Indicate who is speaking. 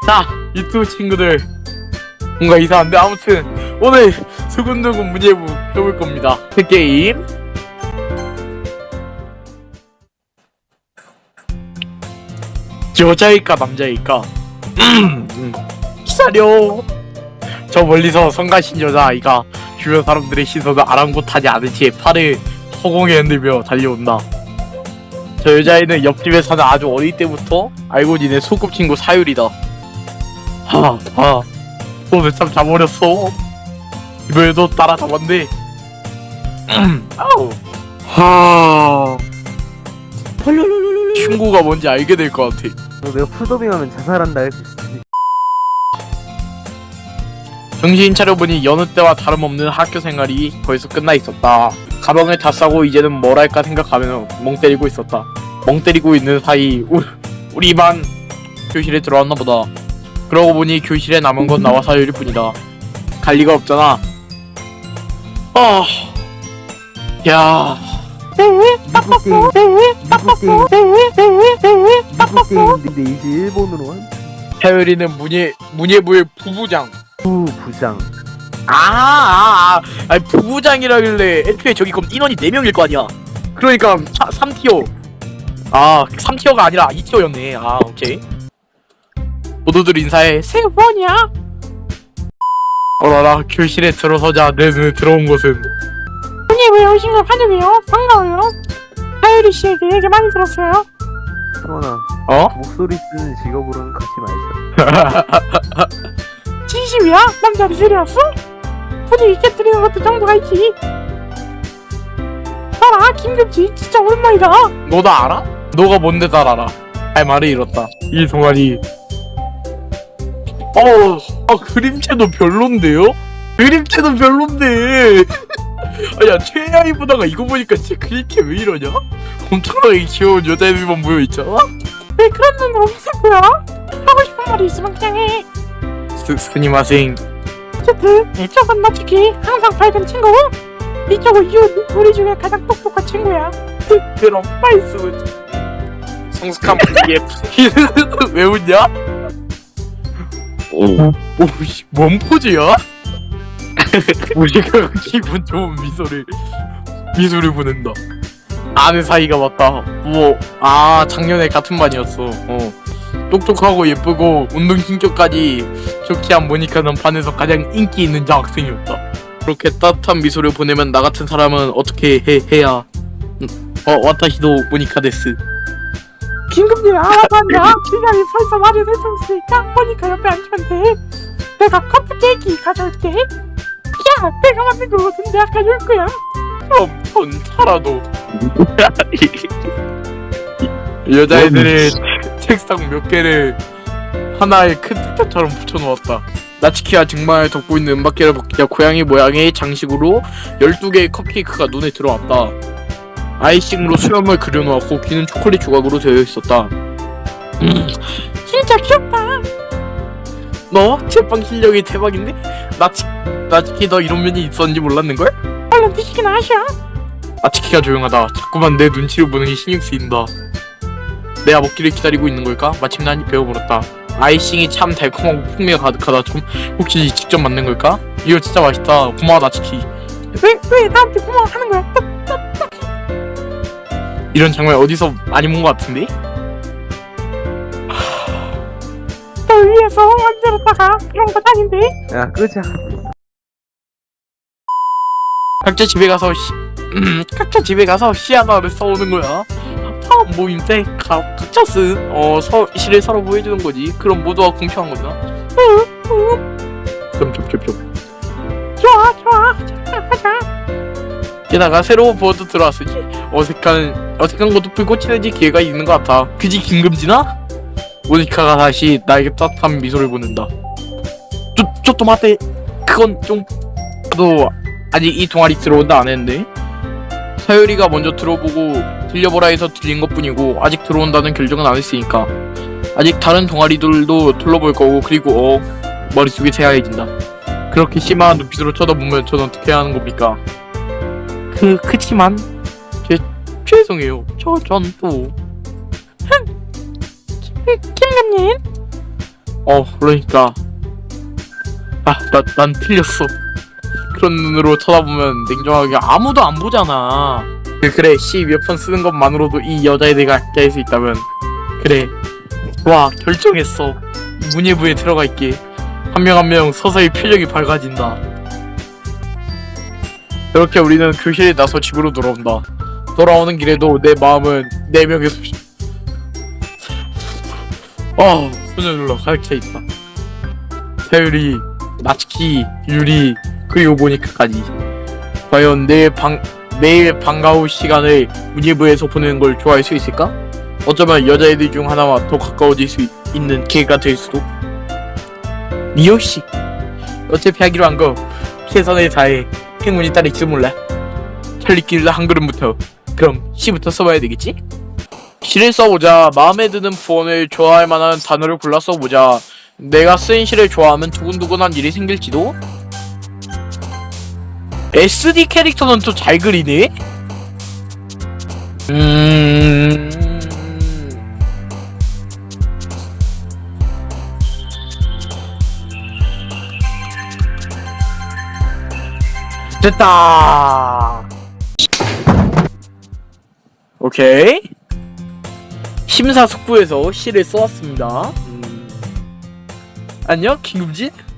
Speaker 1: 자, 유튜브 친구들, 뭔가 이상한데 아무튼 오늘 수근두근 문예부 해볼 겁니다. 그 게임 여자일까 남자일까? 기다려. 저 멀리서 성가신 여자아이가 주변 사람들의 시선을 아랑곳하지 않은 채 팔을 허공에 흔들며 달려온다. 저 여자애는 옆집에 사는 아주 어릴 때부터 알고 지낸 소꿉친구 사유리다. 너는 참 잘버렸어. 이번에도 따라잡았네. 친구가 뭔지 알게 될 것 같아.
Speaker 2: 내가 풀더빙하면 자살한다 할 수 있어.
Speaker 1: 정신 차려보니 여느 때와 다름없는 학교 생활이 벌써 끝나 있었다. 가방을 다 싸고 이제는 뭘 할까 생각하며 멍 때리고 있었다. 멍 때리고 있는 사이 우리 반 교실에 들어왔나 보다. 그러고 보니 교실에 남은 건 나와 사유리 뿐이다. 갈 리가 없잖아. 야.
Speaker 2: 미국 게임인데 이제 일본으로 한
Speaker 1: 사유리는 문예부의 부부장.
Speaker 2: 부부장.
Speaker 1: 아니 부부장이라길래 애초에 저기 그럼 인원이 4명일 거 아니야. 그러니까 3티어. 3티어가 아니라 2티어였네. 오케이. 모두들 인사해. 새우 뭐냐? 어라라, 교실에 들어서자 내 눈에 들어온 것은
Speaker 3: 문예부에 오신 걸 환영해요. 반가워요. 사유리 씨에게 얘기 많이 들었어요.
Speaker 2: 수원아, 목소리 쓰는 직업으로는 같이 말자.
Speaker 3: 진심이야? 남자리 들이었어? 분위기 깨뜨리는 것도 정도가 있지. 봐라, 김금지 진짜 오랜만이다.
Speaker 1: 너 나 알아? 너가 뭔데 날 알아? 할 말을 잃었다. 이 동아리. 그림체도 별론데요? 그림체도 별론데. 야, 최하이보다가 이거 보니까 진짜 그림체 왜 이러냐? 엄청나게 귀여운 여자애들만 모여있잖아?
Speaker 3: 왜 그런 눈으로 웃을 거야? 하고 싶은 말이 있으면 그냥 해.
Speaker 1: 스니마생.
Speaker 3: 어쨌든 이쪽은 나치키 항상 밝은 친구, 이쪽은 우리 중에 가장 똑똑한 친구야.
Speaker 1: 그럼 말씀은 성숙한 분위기에 왜 웃냐? 오씨, 뭔 포즈야? 우리가 기분 좋은 미소를 보낸다. 아는 사이가 맞다. 작년에 같은 반이었어. 똑똑하고 예쁘고 운동 신경까지 좋게 한 모니카는 반에서 가장 인기 있는 여학생이었다. 그렇게 따뜻한 미소를 보내면 나 같은 사람은 어떻게 해야? 와타시도 모니카 데스.
Speaker 3: 긴급히 알아봤냐? 기간이 벌써 말이 됐으니까 모니카 옆에 앉으면 돼. 내가 커피 케이크 가져올게. 야, 내가 만든 거거든. 내가 가져올 거야.
Speaker 1: 그럼 전 살아도. 여자애들의 책상 몇 개를 하나의 큰 특전처럼 붙여놓았다. 나치키와 정말 덮고 있는 은박개를 벗기자 고양이 모양의 장식으로 12개의 컵케이크가 눈에 들어왔다. 아이싱으로 수염을 그려놓았고 귀는 초콜릿 조각으로 되어 있었다.
Speaker 3: 진짜 귀엽다.
Speaker 1: 너 제빵 실력이 대박인데? 나치키 너 이런 면이 있었는지 몰랐는걸?
Speaker 3: 얼른 드시기나 하셔.
Speaker 1: 나치키가 조용하다. 자꾸만 내 눈치를 보는 게 신경 쓰인다. 내가 먹기를 기다리고 있는 걸까? 마침내 한입 베어물었다. 아이싱이 참 달콤하고 풍미가 가득하다. 좀 혹시 직접 만든 걸까? 이거 진짜 맛있다. 고마워 나치키.
Speaker 3: 왜 나한테 고마워하는 거야?
Speaker 1: 이런 장면 어디서 많이 본 것 같은데?
Speaker 3: 널 위해서 만들었다가 이런 건 아닌데?
Speaker 2: 야, 끄자.
Speaker 1: 각자 집에 가서 시 하나를 써오는 거야. 처음 모임 때 각자 쓴 시를 서로 보여주는 거지. 그럼 모두가 공평한 거잖아. 좀.
Speaker 3: 좋아. 하자.
Speaker 1: 게다가 새로운 보어도 들어왔으니 어색한 것도 풀고 친해질 기회가 있는 것 같아. 그지 김금지나? 모니카가 다시 나에게 따뜻한 미소를 보낸다. 좀待って. 그건 좀 너 아직 이 동아리 들어온다 안 했는데? 사유리가 먼저 들려보라 해서 들린 것뿐이고 아직 들어온다는 결정은 안 했으니까 아직 다른 동아리들도 둘러볼 거고. 그리고 머릿속이 새하얘진다. 그렇게 심한 눈빛으로 쳐다보면 전 어떻게 해야 하는 겁니까? 그치만 죄송해요. 전 또
Speaker 3: 김금님,
Speaker 1: 그러니까 난 틀렸어. 그런 눈으로 쳐다보면 냉정하게 아무도 안 보잖아. 그래 C 몇 번 쓰는 것만으로도 이 여자에 대해 알게 할 수 있다면 그래 와 결정했어. 문예부에 들어갈게. 한 명 한 명 서서히 표정이 밝아진다. 이렇게 우리는 교실에 나서 집으로 돌아온다. 돌아오는 길에도 내 마음은 4명의 소녀들로 가득 차 있다. 사유리, 나츠키, 유리, 그리고 모니카까지. 과연 내일 방과 후 시간을 문예부에서 보내는 걸 좋아할 수 있을까? 어쩌면 여자애들 중 하나와 더 가까워질 수 있는 기회가 될 수도. 미호씨, 어차피 하기로 한 거 최선을 다해 행운이 따를지도 몰라. 찰리길 한 걸음부터. 그럼 C부터 써봐야 되겠지? 시를 써보자. 마음에 드는 부원을 좋아할 만한 단어를 골라 써보자. 내가 쓴 시를 좋아하면 두근두근한 일이 생길지도? SD 캐릭터는 또 잘 그리네? 됐다. 오케이. 심사숙고해서 시를 써왔습니다. 안녕 김금진.